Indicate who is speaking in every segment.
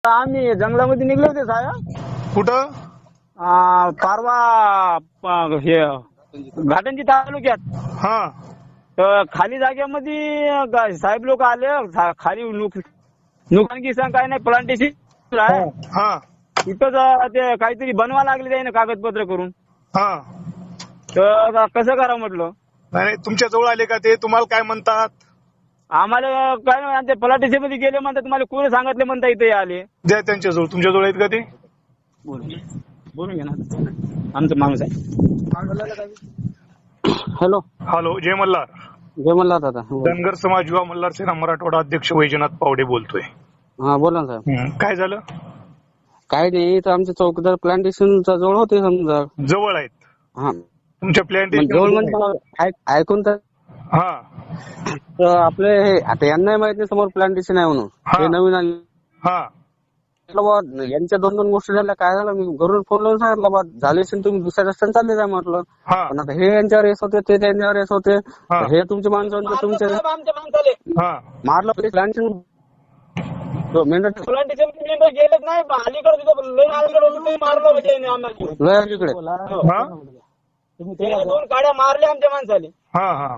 Speaker 1: आम्ही जंगलामध्ये निघले होते साहेब.
Speaker 2: कुठं?
Speaker 1: पारवा हे घाटंजी तालुक्यात.
Speaker 2: हा
Speaker 1: तर खाली जागेमध्ये साहेब लोक आले. खाली नुकसान किसान काय नाही, प्लांटेशन आहे
Speaker 2: हा
Speaker 1: तिथंच. ते काहीतरी बनवा लागले त्याने कागदपत्र करून.
Speaker 2: हा
Speaker 1: तर कसं करा म्हटलं.
Speaker 2: नाही तुमच्या जवळ आले का ते? तुम्हाला काय म्हणतात?
Speaker 1: आम्हाला काय नाही, ते प्लांटेशन मध्ये गेले म्हणतात. तुम्हाला कोणी सांगितले म्हणता इथे आले.
Speaker 2: द्या त्यांच्या जवळ. तुमच्या जवळ आहेत का ते?
Speaker 1: बोलून घे ना, आमचा माणूस आहे. हॅलो
Speaker 2: हॅलो, जय मल्हार.
Speaker 1: जय मल्हार दादा.
Speaker 2: धनगर समाज युवा मल्हार सेना मराठवाडा अध्यक्ष वैजनाथ पावडे बोलतोय.
Speaker 1: हा बोला ना साहेब.
Speaker 2: काय झालं?
Speaker 1: काय नाही, तर आमचे चौकीदार प्लांटेशनच्या जवळ होते समजा.
Speaker 2: जवळ आहेत
Speaker 1: हा
Speaker 2: तुमच्या
Speaker 1: जवळ
Speaker 2: प्लॅन्टेशन?
Speaker 1: म्हणजे ऐकून तर
Speaker 2: हा
Speaker 1: आपले आता यांना माहित नाही समोर प्लांटेशन आहे म्हणून.
Speaker 2: हा.
Speaker 1: हे नवीन आले.
Speaker 2: हा
Speaker 1: यांच्या दोन गोष्टी झाल्या. काय झालं, मी घरून फोन लावून सांगितलं बा झाले असेल तुम्ही दुसऱ्या रस्त्याने चालले जा म्हटलं.
Speaker 2: हा
Speaker 1: पण आता हे यांच्यावर रेस होते, ते त्यांच्यावर रेस होते.
Speaker 2: हा.
Speaker 1: हे तुमचे माणसं तुमचे
Speaker 2: हा
Speaker 1: मारलं प्लांटेशन. प्लांटेशन गेलेच नाही अलीकडे मारलं लय अलीकडे.
Speaker 2: हा
Speaker 1: दोन गाड्या मारल्या आमच्या माणसाने.
Speaker 2: हा हा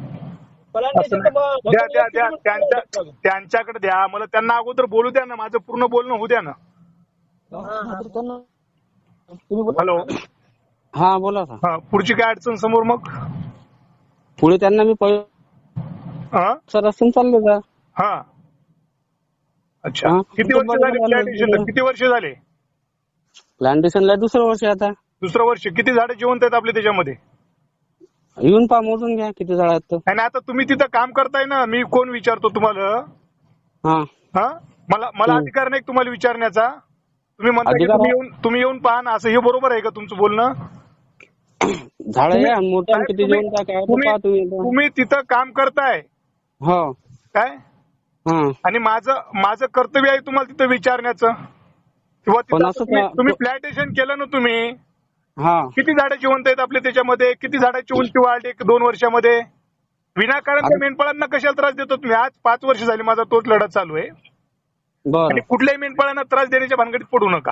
Speaker 2: द्या द्या द्या त्यांच्याकडे द्या. मला त्यांना अगोदर बोलू द्या ना, माझं पूर्ण बोलणं होऊ द्या ना. हॅलो.
Speaker 1: हा बोला सर.
Speaker 2: हा पुढची काय अडचण समोर मग?
Speaker 1: पुढे त्यांना मी
Speaker 2: हा
Speaker 1: रस्त्याने चालले जा.
Speaker 2: हा अच्छा.
Speaker 1: हा.
Speaker 2: किती वर्ष झाले प्लॅन्टेशनला? किती वर्ष झाले
Speaker 1: प्लांटेशनला? दुसरं वर्ष आता.
Speaker 2: दुसरं वर्ष. किती झाडे जिवंत आहेत आपले त्याच्यामध्ये?
Speaker 1: येऊन पहा, मोजून घ्या किती झाड आहेत.
Speaker 2: आणि आता तुम्ही तिथं काम करताय ना, मी कोण विचारतो तुम्हाला?
Speaker 1: हा
Speaker 2: हा मला अधिकार नाही तुम्हाला विचारण्याचा. तुम्ही म्हणता की तुम्ही येऊन पहा ना, असं हे बरोबर आहे का तुमचं बोलणं?
Speaker 1: झाड मोठं किती जिवंत आहे काय पहा तुम्ही.
Speaker 2: तुम्ही तिथं काम करताय
Speaker 1: हो
Speaker 2: काय?
Speaker 1: हा.
Speaker 2: आणि माझं कर्तव्य आहे तुम्हाला तिथं विचारण्याचं. किंवा तुम्ही प्लॅन्टेशन केलं ना तुम्ही,
Speaker 1: हा
Speaker 2: किती झाडं जिवंत आहेत आपले त्याच्यामध्ये? किती झाडाची उंची वाढली 2 वर्षामध्ये? विनाकारण त्या मेंढपाळांना कशाला त्रास देतो तुम्ही? आज 5 वर्ष झाली माझा तोच लढा चालू आहे. आणि कुठल्याही मेंढपाळांना त्रास देण्याच्या भानगडीत पडू नका.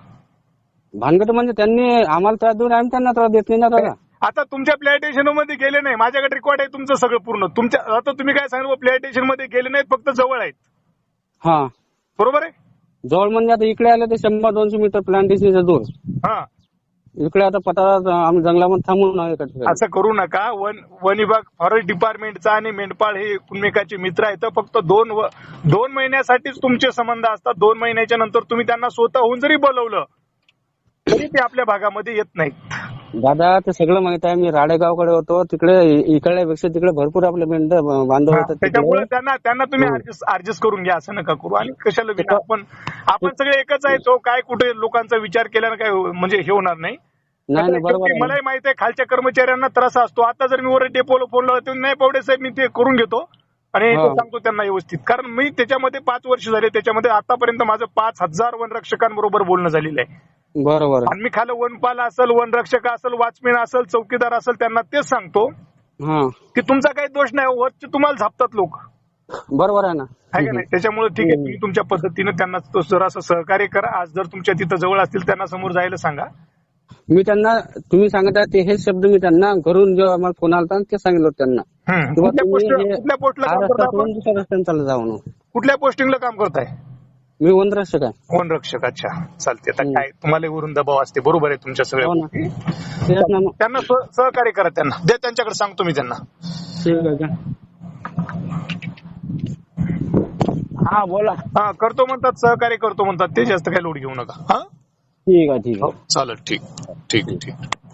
Speaker 1: भानगड म्हणजे त्यांनी आम्हाला त्रास देऊन आम्ही त्यांना त्रास देत नाही ना दादा.
Speaker 2: आता तुमच्या प्लॅन्टेशन मध्ये गेले नाही, माझ्याकडे रेकॉर्ड आहे तुमचं सगळं पूर्ण. तुमच्या आता तुम्ही काय सांगितलं, प्लॅन्टेशन मध्ये गेले नाहीत, फक्त जवळ आहेत.
Speaker 1: हा
Speaker 2: बरोबर आहे.
Speaker 1: जवळ म्हणजे आता इकडे आले ते 100-200 मीटर प्लांटेशनच्या दूर.
Speaker 2: हा
Speaker 1: इकडे आता पठारात आम्ही जंगलामध्ये थांबून आहे.
Speaker 2: असं करू नका. वन विभाग, फॉरेस्ट डिपार्टमेंटचा आणि मेंढपाळ हे एकमेकाचे मित्र आहेत. फक्त 2 महिन्यासाठीच तुमचे संबंध असतात. 2 महिन्याच्या नंतर तुम्ही त्यांना स्वतःहून जरी बोलवलं तरी ते आपल्या भागामध्ये येत नाहीत.
Speaker 1: दादा ते सगळं माहित आहे. मी राडेगावकडे होतो, तिकडे इकडल्यापेक्षा तिकडे भरपूर आपले मेंढ बांधव होतात.
Speaker 2: त्याच्यामुळे त्यांना तुम्ही ऍडजस्ट करून घ्या. असं नका करू. आणि कशाला आपण सगळे एकच आहे. तो काय कुठे लोकांचा विचार केल्यानं काय म्हणजे हे होणार नाही. मलाही माहित आहे खालच्या कर्मचाऱ्यांना त्रास असतो. आता जर मी वर डेपोला फोन लावतो, नाही पावडे साहेब मी ते करून घेतो आणि सांगतो त्यांना व्यवस्थित. कारण मी त्याच्यामध्ये 5 वर्ष झाले. त्याच्यामध्ये आतापर्यंत माझं 5000 वनरक्षकांबरोबर बोलणं झालेलं आहे.
Speaker 1: बरोबर.
Speaker 2: आणि मी खाली वनपाल असेल, वनरक्षक असेल, वॉचमॅन असेल, चौकीदार असेल, त्यांना तेच सांगतो की तुमचा काही दोष नाही. वरचे तुम्हाला झापतात लोक. बरोबर आहे ना, आहे का नाही? त्याच्यामुळे ठीक आहे, तुम्ही तुमच्या पद्धतीने त्यांना जरासं सहकार्य करा. आज जर तुमच्या तिथं जवळ असतील त्यांना समोर जायला सांगा.
Speaker 1: मी त्यांना तुम्ही सांगता ते हे शब्द मी त्यांना घरून जेव्हा आम्हाला फोन आला ते सांगितलं त्यांना.
Speaker 2: कुठल्या
Speaker 1: दुसऱ्या रस्त्याने चालू जाऊ.
Speaker 2: कुठल्या पोस्टिंगला काम करताय?
Speaker 1: मी वनरक्षक आहे.
Speaker 2: वनरक्षक. अच्छा चालते. आता काय तुम्हाला वरून दबाव असते. बरोबर आहे तुमच्या सगळ्या. त्यांना सहकार्य करा. त्यांना द्या, त्यांच्याकडे सांगतो मी त्यांना.
Speaker 1: हा बोला.
Speaker 2: हा करतो म्हणतात, सहकार्य करतो म्हणतात ते. जास्त काही लोड घेऊ नका. हा
Speaker 1: ठीक आहे.
Speaker 2: चालेल. ठीक.